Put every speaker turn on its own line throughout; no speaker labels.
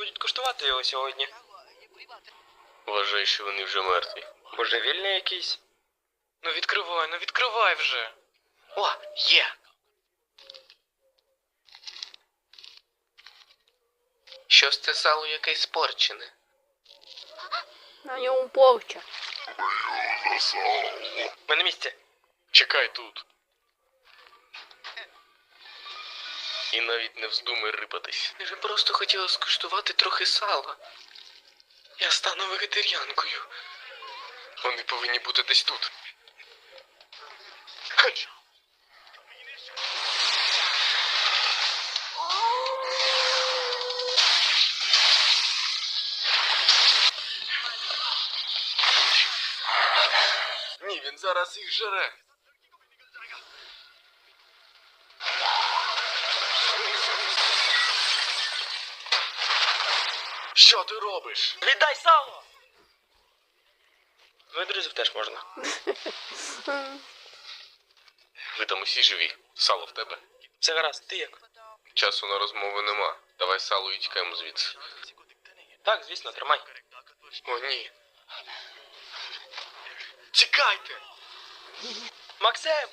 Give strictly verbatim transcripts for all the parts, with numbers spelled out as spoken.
будуть куштувати його сьогодні.
Вважаю, що вони вже мертві.
Божевільний якийсь. Ну відкривай, ну відкривай вже. О, є.
Щось це сало якесь спорчене.
На ньому порча.
Ми на місці.
Чекай тут. І навіть не вздумай рипатись.
Я же просто хотіла скуштувати трохи сала. Я стану вегетаріанкою.
Вони повинні бути десь тут.
Хач.
Ні, він зараз їх жере. Що ти робиш?
Віддай сало! Ну і друзів теж можна.
Ви там усі живі. Сало в тебе.
Все гаразд, ти як?
Часу на розмови нема. Давай сало і тікаємо звідси.
Так, звісно, тримай.
О, ні. Тікайте!
Максим!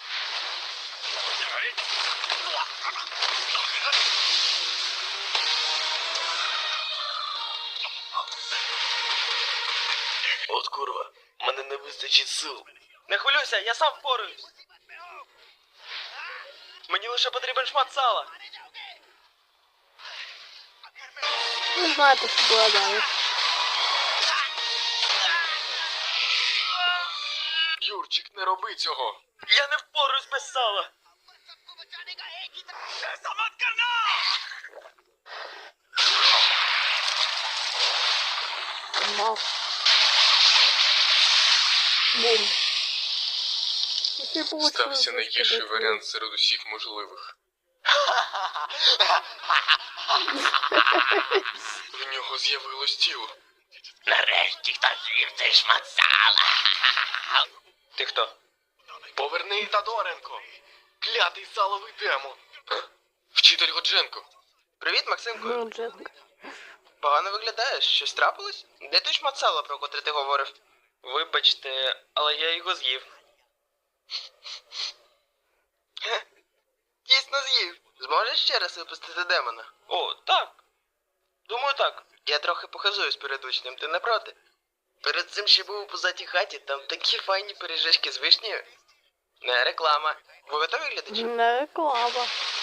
От курва, мене не вистачить сил.
Не хвилюйся, я сам впораюсь. Мені лише потрібен шмат сала.
Ви знаєте, що була далі.
Юрчик, не роби цього.
Я не впораюсь без сала.
Мав. Бум. Який получилось
Стався найгірший
розкидати.
варіант серед усіх можливих. В нього з'явилось тіло.
Нарешті хтось з'їв цей шмат сала. Ти хто?
Поверни Тадоренко. Клятий саловий демон. Вчитель Годженко.
Привіт, Максимко.
Ну, Дженка.
Погано виглядаєш. Щось трапилось? Де той шмат сала, про котрий ти говорив? Вибачте, але я його з'їв. Хе, дійсно з'їв. Зможеш ще раз випустити демона? О, так. Думаю, так. Я трохи похизуюсь перед учнем, ти не проти? Перед цим ще був у позатій хаті, там такі файні пиріжечки з вишнею. Не реклама. Ви готові, глядачі?
Не реклама.